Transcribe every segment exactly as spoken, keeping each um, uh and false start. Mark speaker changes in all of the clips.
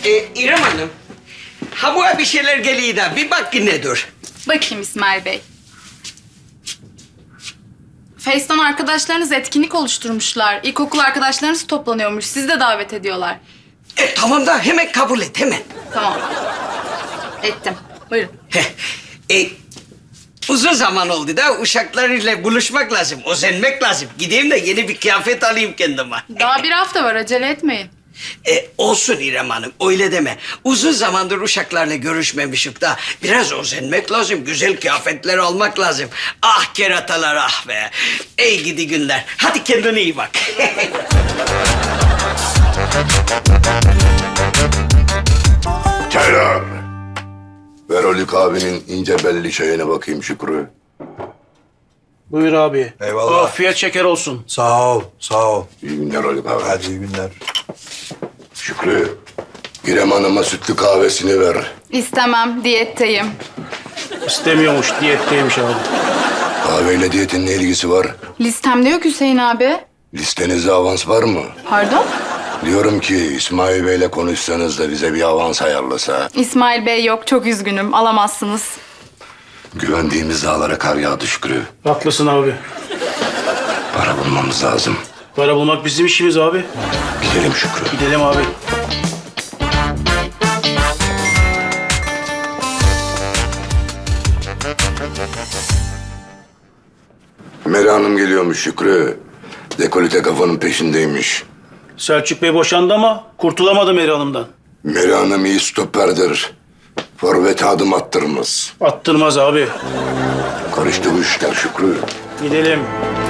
Speaker 1: Ee, İrem Hanım, ha bu bir şeyler geliyor da bir bak ki nedir?
Speaker 2: Bakayım İsmail Bey. Face'ten arkadaşlarınız etkinlik oluşturmuşlar. İlkokul arkadaşlarınız toplanıyormuş. Sizi de davet ediyorlar.
Speaker 1: E, tamam da hemen kabul et, hemen.
Speaker 2: Tamam. Ettim. Buyurun.
Speaker 1: Heh, e, uzun zaman oldu da uşaklarıyla buluşmak lazım, özenmek lazım. Gideyim de yeni bir kıyafet alayım kendime.
Speaker 2: Daha bir hafta var. Acele etmeyin.
Speaker 1: E, olsun İrem Hanım, öyle deme. Uzun zamandır uşaklarla görüşmemişik da biraz özenmek lazım, güzel kıyafetler almak lazım. Ah keratalar ah be. Ey gidi günler. Hadi kendine iyi bak.
Speaker 3: Çaylar. Ver Haluk abinin ince belli çayına bakayım Şükrü.
Speaker 4: Buyur abi.
Speaker 5: Eyvallah.
Speaker 4: Afiyet şeker olsun.
Speaker 5: Sağ ol, sağ ol.
Speaker 3: İyi günler Haluk abi.
Speaker 5: Hadi iyi günler.
Speaker 3: Şükrü, İrem Hanım'a sütlü kahvesini ver.
Speaker 2: İstemem. Diyetteyim.
Speaker 4: İstemiyormuş, diyetteymiş abi.
Speaker 3: Kahveyle diyetin ne ilgisi var?
Speaker 2: Listemde yok Hüseyin abi.
Speaker 3: Listenizde avans var mı?
Speaker 2: Pardon?
Speaker 3: Diyorum ki İsmail Bey'le konuşsanız da bize bir avans ayarlasa.
Speaker 2: İsmail Bey yok. Çok üzgünüm. Alamazsınız.
Speaker 3: Güvendiğimiz dağlara kar yağdı Şükrü.
Speaker 4: Haklısın abi.
Speaker 3: Para bulmamız lazım.
Speaker 4: Para bulmak bizim işimiz abi.
Speaker 3: Gidelim Şükrü.
Speaker 4: Gidelim abi.
Speaker 3: Meri Hanım geliyormuş Şükrü. Dekolite kafanın peşindeymiş.
Speaker 4: Selçuk Bey boşandı ama kurtulamadı Meri Hanım'dan.
Speaker 3: Meri Hanım iyi stoperdir. Forvet adım attırmaz.
Speaker 4: Attırmaz abi.
Speaker 3: Karıştı bu işler Şükrü.
Speaker 4: Gidelim.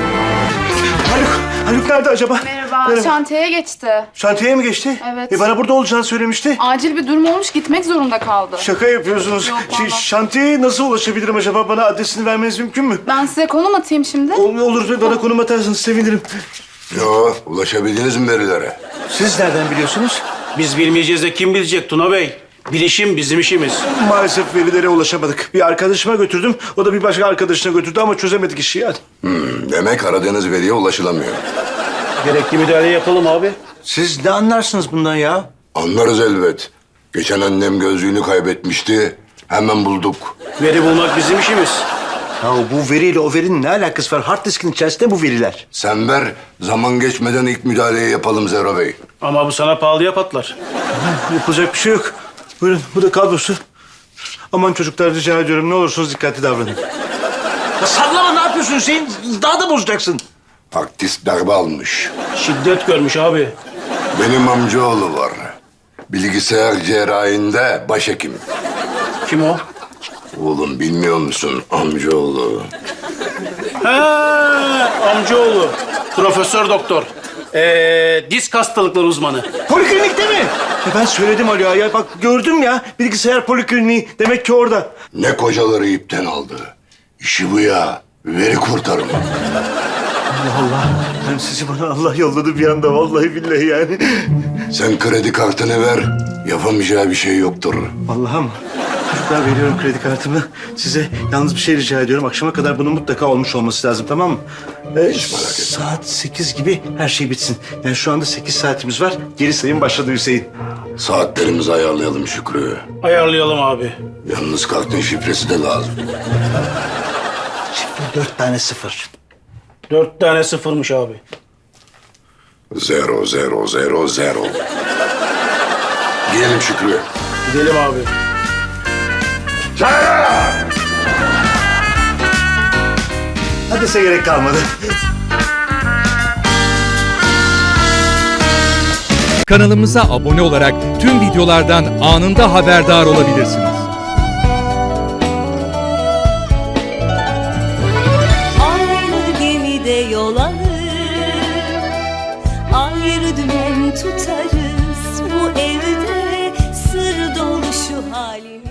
Speaker 5: Haluk, Haluk nerede acaba?
Speaker 2: Merhaba. Şantiyeye geçti.
Speaker 5: Şantiyeye mi geçti?
Speaker 2: Evet.
Speaker 5: E bana burada olacağını söylemişti.
Speaker 2: Acil bir durum olmuş. Gitmek zorunda kaldı.
Speaker 5: Şaka yapıyorsunuz.
Speaker 2: Yok,
Speaker 5: Şey,
Speaker 2: vallahi.
Speaker 5: şantiyeye nasıl ulaşabilirim acaba? Bana adresini vermeniz mümkün mü?
Speaker 2: Ben size konum atayım şimdi.
Speaker 5: Ol- Olur, bana konum atarsanız sevinirim.
Speaker 3: Yo, ulaşabildiniz mi verilere?
Speaker 5: Siz nereden biliyorsunuz?
Speaker 4: Biz bilmeyeceğiz de kim bilecek Tuna Bey? Bilişim bizim işimiz.
Speaker 5: Maalesef verilere ulaşamadık. Bir arkadaşıma götürdüm. O da bir başka arkadaşına götürdü ama çözemedik işi yani.
Speaker 3: Hmm, demek aradığınız veriye ulaşılamıyor.
Speaker 4: Gerekli müdahale yapalım abi.
Speaker 5: Siz ne anlarsınız bundan ya?
Speaker 3: Anlarız elbet. Geçen annem gözlüğünü kaybetmişti. Hemen bulduk.
Speaker 4: Veri bulmak bizim işimiz.
Speaker 5: Ya bu veriyle o verinin ne alakası var? Hard diskin içerisinde bu veriler.
Speaker 3: Sen ver, zaman geçmeden ilk müdahaleyi yapalım Zero Bey.
Speaker 4: Ama bu sana pahalıya patlar.
Speaker 5: Yapılacak bir şey yok. Buyurun, bu da kablosu. Aman çocuklar rica ediyorum ne olursunuz dikkatli davranın. Ya sallama, ne yapıyorsun Hüseyin? Daha da bozacaksın.
Speaker 3: Taktis darbe almış.
Speaker 4: Şiddet görmüş abi.
Speaker 3: Benim amcaoğlu var. Bilgisayar cerrahinde başhekim.
Speaker 4: Kim o?
Speaker 3: Oğlum bilmiyor musun amcaoğlu?
Speaker 4: Ha, amcaoğlu. Profesör doktor. Ee, disk hastalıkları uzmanı.
Speaker 5: Poliklinikte mi? Ya ben söyledim Ali ya. Ya bak gördüm ya. Bilgisayar polikliniği. Demek ki orada.
Speaker 3: Ne kocaları ipten aldı. İşi bu ya. Veri kurtarma.
Speaker 5: Allah Allah. Yani sizi bana Allah yolladı bir anda. Vallahi billahi yani.
Speaker 3: Sen kredi kartını ver. Yapamayacağı bir şey yoktur.
Speaker 5: Vallahi mı? Çocuklar veriyorum kredi kartımı. Size yalnız bir şey rica ediyorum. Akşama kadar bunun mutlaka olmuş olması lazım, tamam mı? Ee,
Speaker 3: Hiç merak etme.
Speaker 5: Saat sekiz gibi her şey bitsin. Yani şu anda sekiz saatimiz var. Geri sayım başladı Hüseyin.
Speaker 3: Saatlerimizi ayarlayalım Şükrü.
Speaker 4: Ayarlayalım abi.
Speaker 3: Yalnız kartın şifresi de lazım.
Speaker 5: Şifre dört tane sıfır.
Speaker 4: Dört tane sıfırmış abi.
Speaker 3: Zero, zero, zero, zero. Gidelim Şükrü.
Speaker 4: Gidelim abi.
Speaker 5: Hadise gerek kalmadı.
Speaker 6: Kanalımıza abone olarak tüm videolardan anında haberdar olabilirsiniz.
Speaker 7: Aynı gemide yol alır, ayrı dümen tutarız. Bu evde sır dolu şu halimiz.